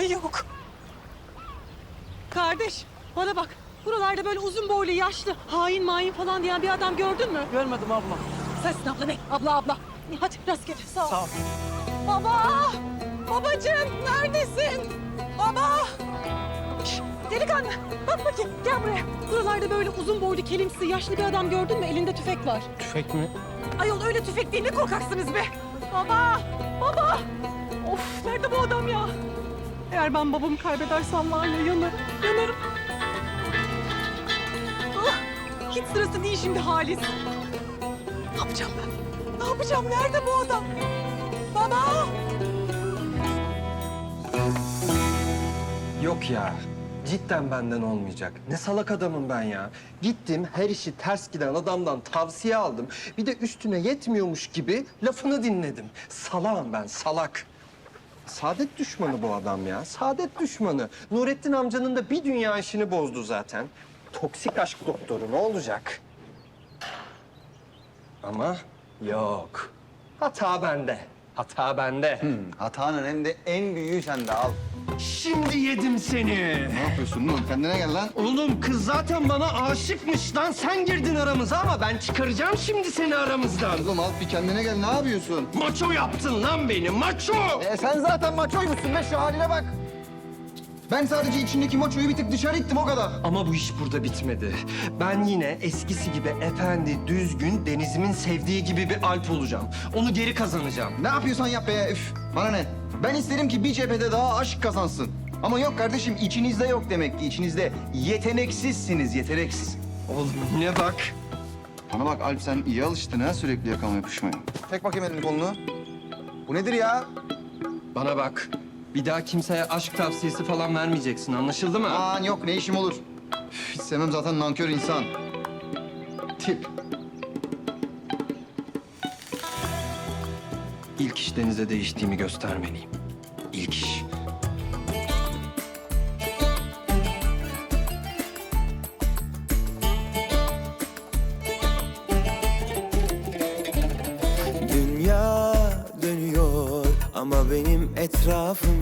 Ay yok. Kardeş bana bak. Buralarda böyle uzun boylu, yaşlı, hain main falan diyen bir adam gördün mü? Görmedim abla. Sensin abla ne? Abla. Hadi rastgele sağ ol. Sağ ol. Baba! Babacığım neredesin? Baba! Şş, delikanlı bak bakayım gel buraya. Buralarda böyle uzun boylu, kelimsi, yaşlı bir adam gördün mü? Elinde tüfek var. Tüfek mi? Ayol öyle tüfek değil, ne korkaksınız be? Baba! Baba! Of nerede bu adam ya? Eğer ben babamı kaybedersem var ya yanarım. Ah, hiç sırası değil şimdi Halis. Ne yapacağım ben? Ne yapacağım? Nerede bu adam? Baba! Yok ya. Cidden benden olmayacak. Ne salak adamım ben ya. Gittim her işi ters giden adamdan tavsiye aldım. Bir de üstüne yetmiyormuş gibi lafını dinledim. Salağım ben, salak. Saadet düşmanı bu adam ya. Saadet düşmanı. Nurettin amcanın da bir dünya işini bozdu zaten. Toksik aşk doktoru ne olacak? Ama yok. Hata bende. Hata bende. Hatanın hem de en büyüğü sende al. Şimdi yedim seni. Ne yapıyorsun oğlum? Kendine gel lan. Oğlum kız zaten bana aşıkmış lan. Sen girdin aramıza ama ben çıkaracağım şimdi seni aramızdan. Oğlum al bir kendine gel. Ne yapıyorsun? Maço yaptın lan beni, maço! Sen zaten maçoymuşsun be, şu haline bak. Ben sadece içindeki maçoyu bir tık dışarı ittim, o kadar. Ama bu iş burada bitmedi. Ben yine eskisi gibi efendi, düzgün, Deniz'imin sevdiği gibi bir Alp olacağım. Onu geri kazanacağım. Ne yapıyorsan yap be. Üf, bana ne? Ben isterim ki bir cephede daha aşk kazansın. Ama yok kardeşim, içinizde yok demek ki. İçinizde yeteneksizsiniz, yeteneksiz. Oğlum ne bak. Bana bak Alp, sen iyi alıştın ha sürekli yakama yapışmaya. Tek bakayım elini kolunu. Bu nedir ya? Bana bak. Bir daha kimseye aşk tavsiyesi falan vermeyeceksin, anlaşıldı mı? Aman yok, ne işim olur. Üf, hiç sevmem zaten nankör insan. Tip. İlk iş Deniz'e değiştiğimi göstermeliyim. İlk iş. Dünya dönüyor ama benim etrafım